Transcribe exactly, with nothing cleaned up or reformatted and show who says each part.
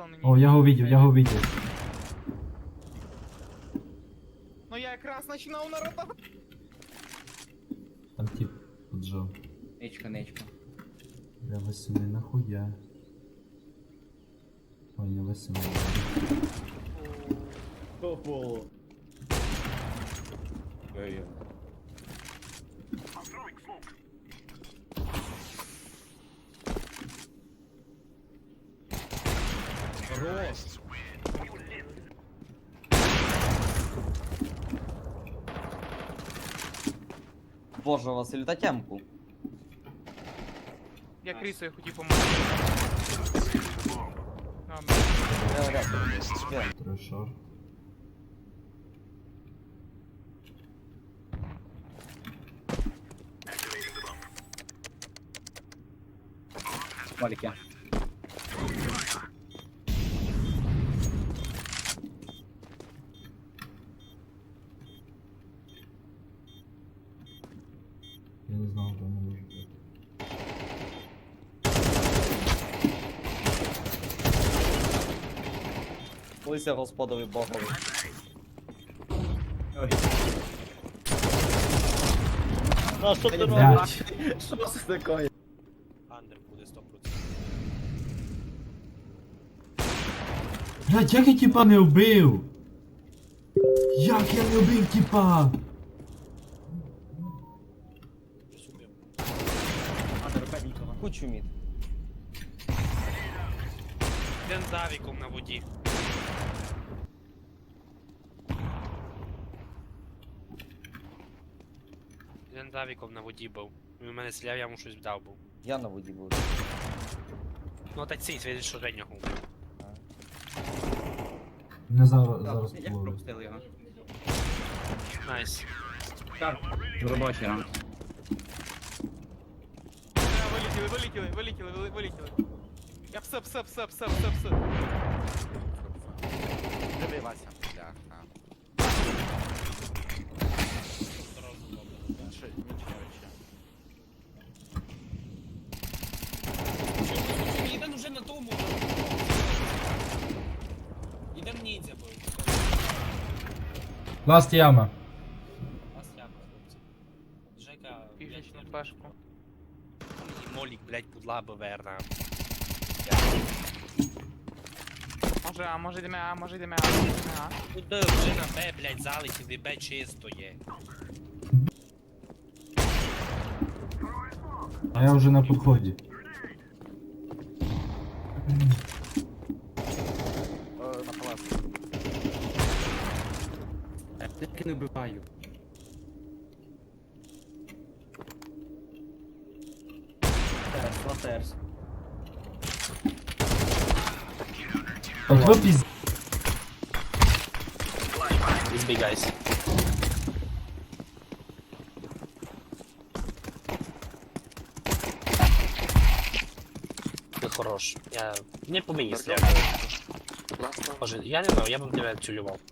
Speaker 1: он мені.
Speaker 2: О, я його видів, я його видів.
Speaker 1: Ну я якраз починав народа.
Speaker 2: Там тип поджав.
Speaker 3: Нечка, нечка.
Speaker 2: Бля, восьми нахуя. Ой, не восьми.
Speaker 3: Ого.
Speaker 4: Ой,
Speaker 3: Хорош. Боже, Василь, та темку.
Speaker 1: Я крісою хотів помогти. Добре.
Speaker 3: Я рядом. Є.
Speaker 2: Трешор.
Speaker 3: Малики.
Speaker 2: Я не знав, що не може бути.
Speaker 3: Лися господові богові. Ой. А що ти робиш?
Speaker 2: Блять.
Speaker 3: Що це таке?
Speaker 4: Андер буде сто процентів.
Speaker 2: Блять, як я тіпа не вбив? Як я не вбив тіпа?
Speaker 3: Кучу мід.
Speaker 4: Він з авіком на воді. Він з авіком на воді був. Він у мене стріляв, я йому щось вдав був.
Speaker 3: Я на воді буду.
Speaker 4: Ну та цей, він що Женя губив.
Speaker 2: Не зараз, зараз
Speaker 3: Як
Speaker 2: половив.
Speaker 3: пропустили його?
Speaker 4: Найс.
Speaker 3: Робочий ранг.
Speaker 1: Бля, Вилетіли, вилетіли, вилетіли, вили- вилетіли. Я псе, псе, псе, псе, псе, псе.
Speaker 5: Диви, Вася, бляха. Менше, менше речі.
Speaker 6: Ідем вже на тому. Ідем ніндзя бо.
Speaker 2: Ласт яма.
Speaker 6: Вас як, хлопці. Жека,
Speaker 1: Пішечну
Speaker 6: блядь,
Speaker 1: пешку.
Speaker 4: І молік, блять, пудла баверна.
Speaker 1: Може, а може йдемо, а може йдемо, а може йдемо, а.
Speaker 4: Куди вже на Б, блять, залетів, і Б чисто є.
Speaker 2: А я вже на підході.
Speaker 5: Е, На палаці.
Speaker 3: Я тільки не вбиваю. Терс, латерс.
Speaker 2: От ви піз...
Speaker 4: He's big guys. Ти хорош. Я... Не по мені стріляв. Боже, я не знаю, я б тебе цюлював.